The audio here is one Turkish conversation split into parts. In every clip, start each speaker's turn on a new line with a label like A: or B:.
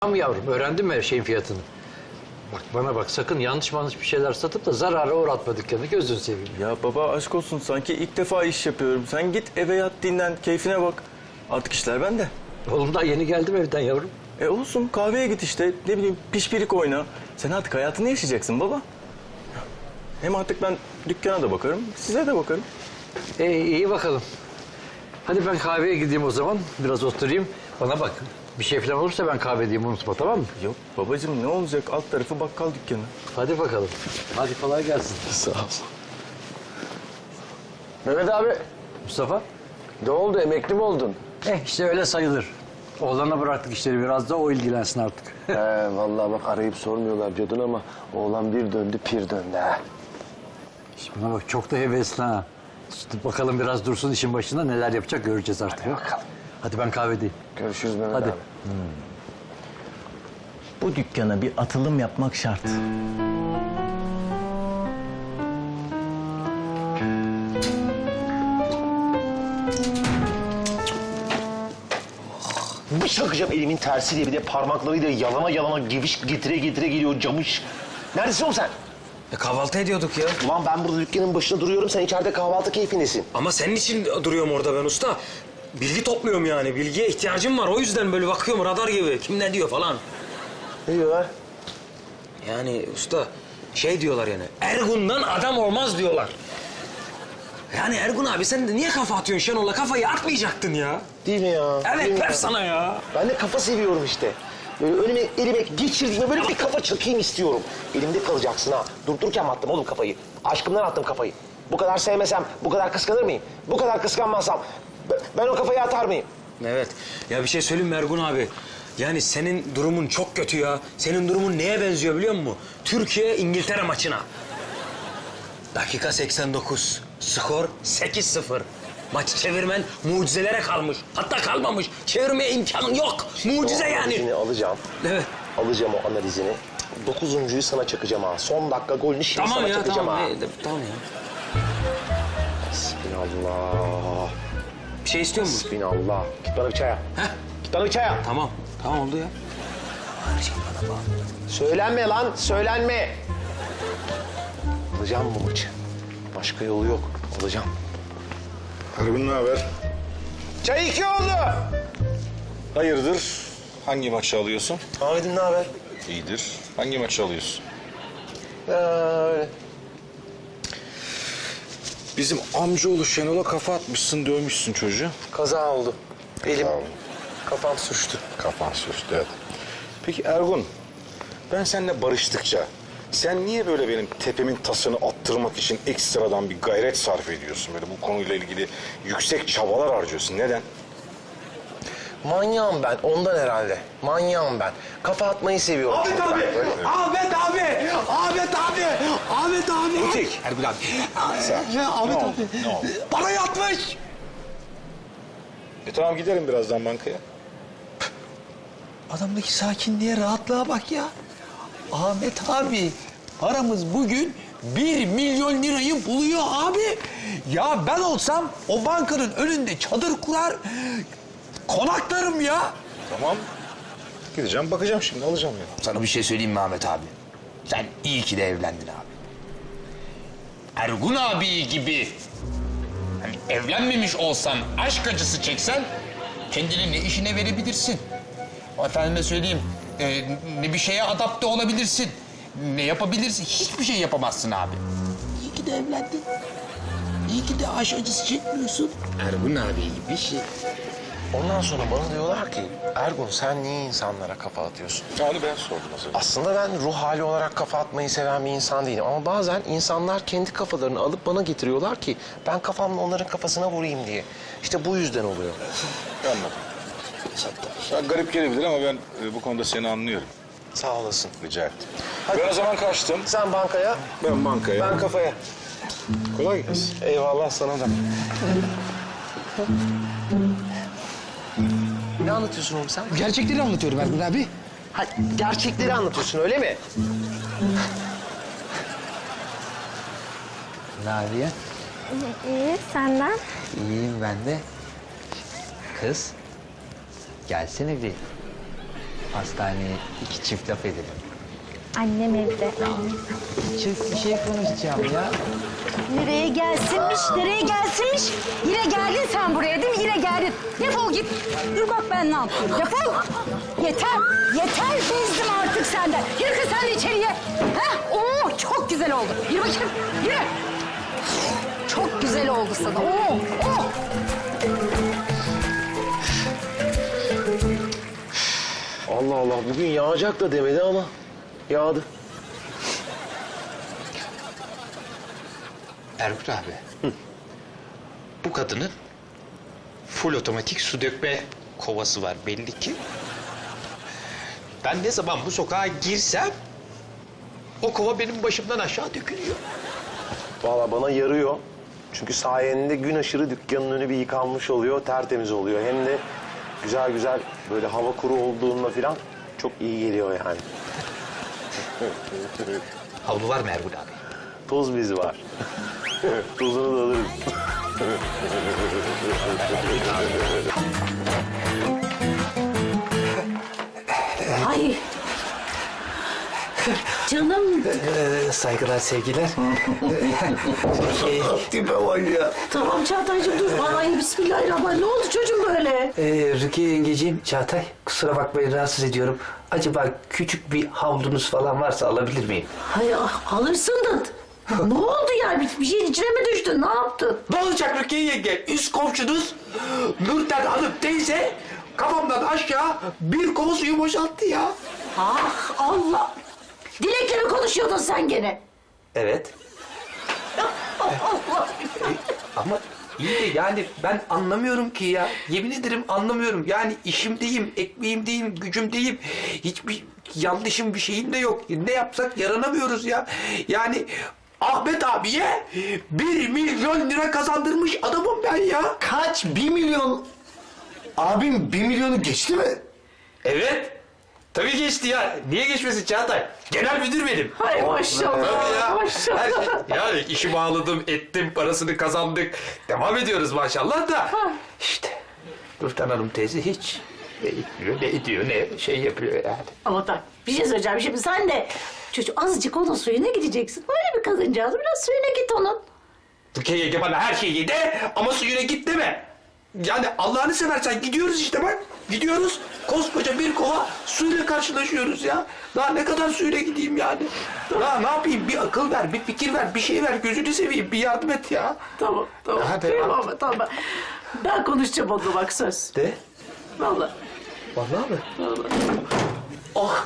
A: Tamam yavrum, öğrendin mi her şeyin fiyatını? Bak bana bak, sakın yanlış bir şeyler satıp da zarara uğratma dükkanı, gözünü seveyim.
B: Ya baba aşk olsun, sanki ilk defa iş yapıyorum. Sen git eve yat, dinlen, keyfine bak. Artık işler bende.
A: Oğlum daha yeni geldim evden yavrum.
B: Olsun, kahveye git işte, ne bileyim pişpirik oyna. Sen artık hayatını yaşayacaksın baba. Hem artık ben dükkana da bakarım, size de bakarım.
A: İyi bakalım. Hadi ben kahveye gideyim o zaman, biraz oturayım. Bana bak, bir şey falan olursa ben kahve diyeyim, unutma, tamam mı?
B: Yok babacığım, ne olacak, alt tarafı bakkal dükkanı.
A: Hadi bakalım. Hadi kolay gelsin.
B: Sağ ol.
C: Mehmet abi,
A: Mustafa?
C: ne oldu? Emekli mi oldun?
A: İşte öyle sayılır. Oğlana bıraktık işleri, biraz da o ilgilensin artık.
C: Vallahi bak arayıp sormuyorlar diyordun ama oğlan bir döndü pir döndü ha.
A: Şimdi bana bak, çok da hevesli ha. İşte bakalım biraz dursun işin başında, neler yapacak göreceğiz artık.
C: Hadi bakalım.
A: Hadi ben kahvedeyim.
C: Görüşürüz Mehmet
A: Hadi.
C: abi.
B: Bu dükkana bir atılım yapmak şart.
D: Bir çakacağım elimin tersiyle, bir de parmaklarıyla yalana yalana geviş getire geliyor camış. Neredesin oğlum sen?
E: Kahvaltı ediyorduk ya.
D: Ulan ben burada dükkanın başında duruyorum, sen içeride kahvaltı keyfindesin.
E: Ama senin için duruyorum orada ben usta. Bilgi topluyorum yani. Bilgiye ihtiyacım var. O yüzden böyle bakıyorum radar gibi. Kim ne diyor falan.
D: Ne diyorlar?
E: Yani usta şey diyorlar yani. Ergun'dan adam olmaz diyorlar. Yani Ergun abi sen de niye kafa atıyorsun Şenol'a? Kafayı atmayacaktın ya.
D: Değil mi ya? Değil
E: Evet
D: mi
E: ver
D: ya?
E: sana ya.
D: Ben de kafa seviyorum işte. Böyle önüme, elime geçirdiğime böyle bir kafa çakayım istiyorum. Elimde kalacaksın ha. Durdururken mi attım oğlum kafayı? Aşkımdan attım kafayı. Bu kadar sevmesem, bu kadar kıskanır mıyım? Bu kadar kıskanmazsam ben o kafayı atar mıyım?
E: Evet. Ya bir şey söyleyeyim mi Ergun abi? Yani senin durumun çok kötü ya. Senin durumun neye benziyor biliyor musun? Türkiye-İngiltere maçına. Dakika 89. Skor 8-0. Maçı çevirmen mucizelere kalmış. Hatta kalmamış. Çevirmeye imkanın yok. Mucize
D: O
E: yani.
D: analizini alacağım.
E: Evet.
D: Alacağım o analizini. 9.'yu sana çakacağım ha. Son dakika golünü şimdi
E: Tamam
D: sana
E: ya
D: çakacağım
E: tamam.
D: ha.
E: Tamam ya.
D: Bismillah.
E: Bir şey istiyor musun?
D: Bismillah. Git bana bir çay yap.
E: Heh.
D: Git bana bir çay yap.
E: Tamam. Tamam oldu ya. Her şey bana bağlı.
D: Söylenme lan, söylenme. Alacağım bu maçı. Başka yolu yok. Alacağım.
F: Ergun ne haber?
D: Çay 2 oldu.
F: Hayırdır? Hangi maçı alıyorsun?
D: Ahmet'im ne haber?
F: İyidir. Hangi maçı alıyorsun?
D: Öyle.
F: Bizim amcaoğlu Şenol'a kafa atmışsın, dövmüşsün çocuğu.
D: Kaza oldu. Elim,
F: Kaza oldu.
D: kafam suçtu.
F: Kafan sürçtü, evet. Peki Ergun, ben seninle barıştıkça sen niye böyle benim tepemin tasını attırmak için ekstradan bir gayret sarf ediyorsun? Böyle bu konuyla ilgili yüksek çabalar harcıyorsun. Neden?
D: Manyağım ben, ondan herhalde. Manyağım ben. Kafa atmayı seviyorum.
G: Ahmet
D: çünkü
G: abi!
D: ben. Böyle.
G: Ahmet abi! Ahmet abi! Ahmet abi!
D: Butik.
G: Ergun abi.
F: Ne
G: Ahmet
F: oldu?
G: abi.
F: Ne oldu?
G: Bana yatmış!
F: Tamam giderim birazdan bankaya.
G: Adamdaki sakinliğe, rahatlığa bak ya. Ahmet abi, paramız bugün 1 milyon lirayı buluyor abi. Ya ben olsam o bankanın önünde çadır kurar, konaklarım ya.
F: Tamam. Gideceğim bakacağım şimdi alacağım ya.
H: Sana bir şey söyleyeyim mi Ahmet abi? Sen iyi ki de evlendin abi. Ergun abi gibi hani evlenmemiş olsan, aşk acısı çeksen kendini ne işine verebilirsin. Efendime söyleyeyim, ne bir şeye adapte olabilirsin. Ne yapabilirsin? Hiçbir şey yapamazsın abi. İyi ki de evlendin. İyi ki de aşk acısı çekmiyorsun. Ergun abi gibi şey.
D: Ondan sonra bana diyorlar ki, Ergun sen niye insanlara kafa atıyorsun?
F: Onu ben sordum az önce.
D: Aslında ben ruh hali olarak kafa atmayı seven bir insan değilim. Ama bazen insanlar kendi kafalarını alıp bana getiriyorlar ki ben kafamla onların kafasına vurayım diye. İşte bu yüzden oluyor.
F: Anladım. Ya, garip gelebilir ama ben bu konuda seni anlıyorum.
D: Sağ olasın.
F: Rica ettim.
D: Hadi.
F: Ben o zaman kaçtım.
D: Sen bankaya,
F: Ben bankaya.
D: ben kafaya.
F: Kolay gelsin.
D: Eyvallah sana da. Ne anlatıyorsun oğlum sen?
G: Gerçekleri anlatıyorum Ergun abi.
D: Ha, gerçekleri anlatıyorsun öyle mi?
A: Ne yapıyor?
I: İyi, senden?
A: İyiyim ben de. Kız, gelsene bir.
J: hastaneye 2 çift laf edelim.
I: Annem evde.
J: Çift bir şey konuşacağım ya.
K: Nereye gelsinmiş, nereye gelsinmiş? Yine geldin sen buraya değil mi? Yine geldin. Defol git. Dur bak ben ne yapıyorum. Defol. Yeter, yeter bezdim artık senden. Yürü kız sen de içeriye. Heh, oo, çok güzel oldu. Yürü bakayım, yürü. Çok güzel oldu sana. Oo, oo.
D: Allah Allah bugün yağacak da demedi ama yağdı.
H: Erkut abi. Bu kadının full otomatik su dökme kovası var belli ki. Ben ne zaman bu sokağa girsem o kova benim başımdan aşağı dökülüyor.
D: Vallahi bana yarıyor. Çünkü sayende gün aşırı dükkanın önü bir yıkanmış oluyor, tertemiz oluyor. Hem de güzel güzel böyle hava kuru olduğunda falan çok iyi geliyor yani.
H: Havlu var mı Erkut abi?
D: Toz bizi var. Tozunu da alırız.
K: Ay. Canım.
J: Saygılar, sevgiler.
C: Tipe bak ya.
K: Tamam Çağatay'cığım dur. Ay bismillahirrahmanirrahim. Ne oldu çocuğum böyle?
J: Rukiye yengeciğim, Çağatay, kusura bakmayın rahatsız ediyorum. Acaba küçük bir havlunuz falan varsa alabilir miyim?
K: Hay alırsın da. Ne oldu yani? Bir şeyin içine mi düştün? Ne yaptın?
G: Ne olacak Rukiye yenge? Üst komşunuz Nurten Hanım teyze kafamdan aşağı bir kova suyu boşalttı ya.
K: Ah Allah. Dilek'le mi konuşuyordun sen gene?
J: Evet.
K: Allah.
G: Ama iyi de yani ben anlamıyorum ki ya. Yemin ederim anlamıyorum. Yani işimdeyim, ekmeğimdeyim, gücümdeyim. Hiçbir yanlışım bir şeyim de yok. Ne yapsak yaranamıyoruz ya. Yani Ahmet abiye 1 milyon lira kazandırmış adamım ben ya.
C: Kaç? 1 milyon. Abim 1 milyonu geçti mi?
G: Evet. Tabii geçti ya. Niye geçmesin Çağatay? Genel müdür benim.
K: Hay maşallah.
G: Tabii ya.
K: Maşallah.
G: Her şey, yani işi bağladım, ettim, parasını kazandık. Devam ediyoruz maşallah da. İşte Nurten Hanım teyze hiç ne etmiyor, ne ediyor, ne şey yapıyor yani.
K: Ama bak bir şey söyleyeceğim. Şimdi sen de çocuk azıcık onun suyuna gideceksin. Öyle bir kadıncağız. Biraz suyuna git onun.
G: Rukiye yenge bana her şeyi de ama suyuna git deme. Yani Allah'ını seversen gidiyoruz işte bak. Gidiyoruz. Koskoca bir kova suyla karşılaşıyoruz ya. Daha ne kadar suyla gideyim yani. Daha ne yapayım? Bir akıl ver, bir fikir ver, bir şey ver. Gözünü seveyim, bir yardım et ya.
K: Tamam, tamam.
G: Hadi,
K: Tamam, tamam. Ben konuşacağım onunla bak söz.
G: De.
K: Vallahi.
G: Vallahi mi? Oh.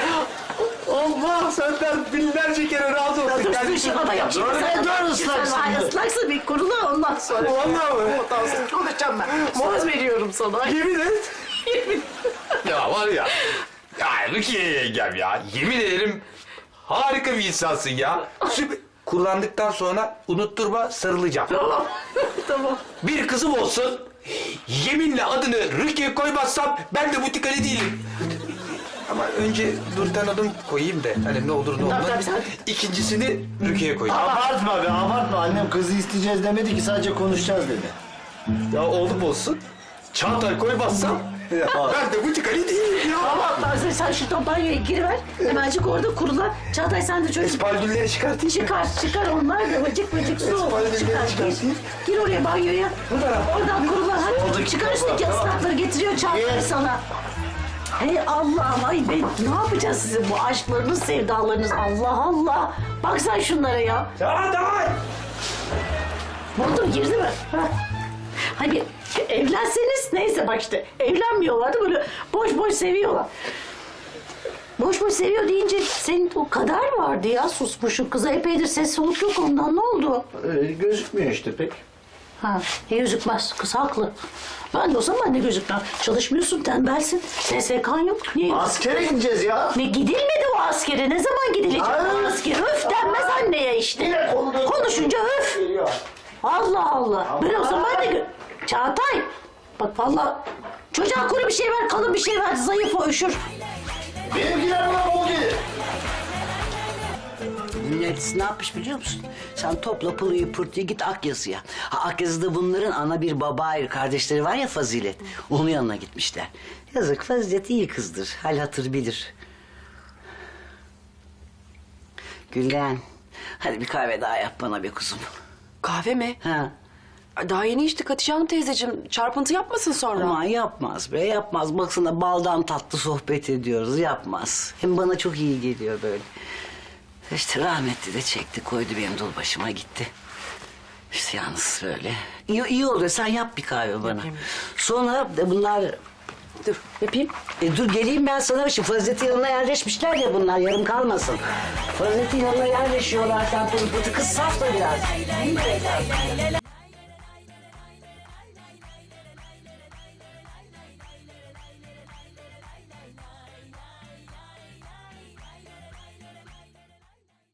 G: Allah senden binlerce kere razı olsun.
K: Dur,
G: Yani-
K: dur, şimdi bana yap. Şimdi sen
C: dur ıslaksın.
K: Sen ıslaksın bir kurula ondan sonra.
G: Vallahi mi?
K: Ondan sonra konuşacağım ben. Söz veriyorum sana.
G: Yemin et.
K: Yemin.
G: Ya var ya. Ya Rukiye yengem ya. Yemin ederim harika bir insansın ya. Süper. Kullandıktan sonra unutturma sarılacağım.
K: Tamam. Tamam.
G: Bir kızım olsun. Yeminle adını Rukiye koymazsam ben de butik Ali değilim. Ama önce Nurten adım koyayım da hani ne olur ne olmaz.
K: Tabii, tabii.
G: İkincisini Rukiye koyayım.
C: Abartma be abartma. Annem kızı isteyeceğiz demedi ki sadece konuşacağız dedi.
G: Ya oğlum olsun. Çağatay koymazsam ben de butik Ali değilim ya.
K: Tamam sen şuradan banyoya giriver. Hemencik orada kurulan. Çağatay sen de çocuk.
G: Espaldülleri çıkartayım.
K: Çıkar onlar da vıcık vıcık su olur.
G: Espaldülleri
K: Çıkar
G: çıkartayım.
K: gir oraya banyoya. Oradan kurulan hadi. Çıkar üstteki ıslakları getiriyor Çağatay sana. Hey Allah'ım ay ne yapacağız sizin bu aşklarınız, sevdalarınız Allah Allah. Bak sen şunlara ya.
G: Çağatay!
K: Oldu mu girdi mi? Ha? Hani evlenseniz neyse bak işte evlenmiyorlardı böyle boş boş seviyorlar. Boş boş seviyor deyince senin o kadar vardı ya susmuşun kıza epeydir ses soluk yok ondan ne oldu?
C: Gözükmüyor işte pek.
K: Ha gözükmez kız haklı. Ben de olsam ben de gözükmem. Çalışmıyorsun tembelsin. SSK'n yok. Niye?
C: Askere gideceğiz ya.
K: Ne gidilmedi o askere. Ne zaman gidilecek o askere? Öf denmez anneye işte. Konuşunca öf. Allah Allah. Ben o zaman ben de... Çağatay. Bak vallahi çocuğa kuru bir şey ver, kalın bir şey ver. Zayıf o üşür.
C: Benimkiler buna bol gelir.
L: yöneticisi ne yapmış biliyor musun? Sen topla pılıyı pırtıyı git Akyazı'ya. Akyazı'da bunların ana bir baba ayrı kardeşleri var ya Fazilet. Onun yanına gitmişler. Yazık Fazilet iyi kızdır. Hal hatır bilir. Gülden, hadi bir kahve daha yap bana be kuzum.
M: Kahve mi?
L: Ha.
M: Daha yeni içtik Hatice Hanım teyzeciğim. Çarpıntı yapmasın sonra.
L: Aman yapmaz be yapmaz. Baksana baldan tatlı sohbet ediyoruz yapmaz. Hem bana çok iyi geliyor böyle. İşte rahmetli de çekti koydu benim dul başıma gitti. İşte yalnız böyle. İyi oluyor sen yap bir kahve bana.
M: Yapayım.
L: Sonra de bunlar...
M: Dur yapayım.
L: Dur geleyim ben sana. Şimdi Fazilet'in yanına yerleşmişler ya bunlar yarım kalmasın. Fazilet'in yanına yerleşiyorlar sen pırpıtı kız saf da biraz.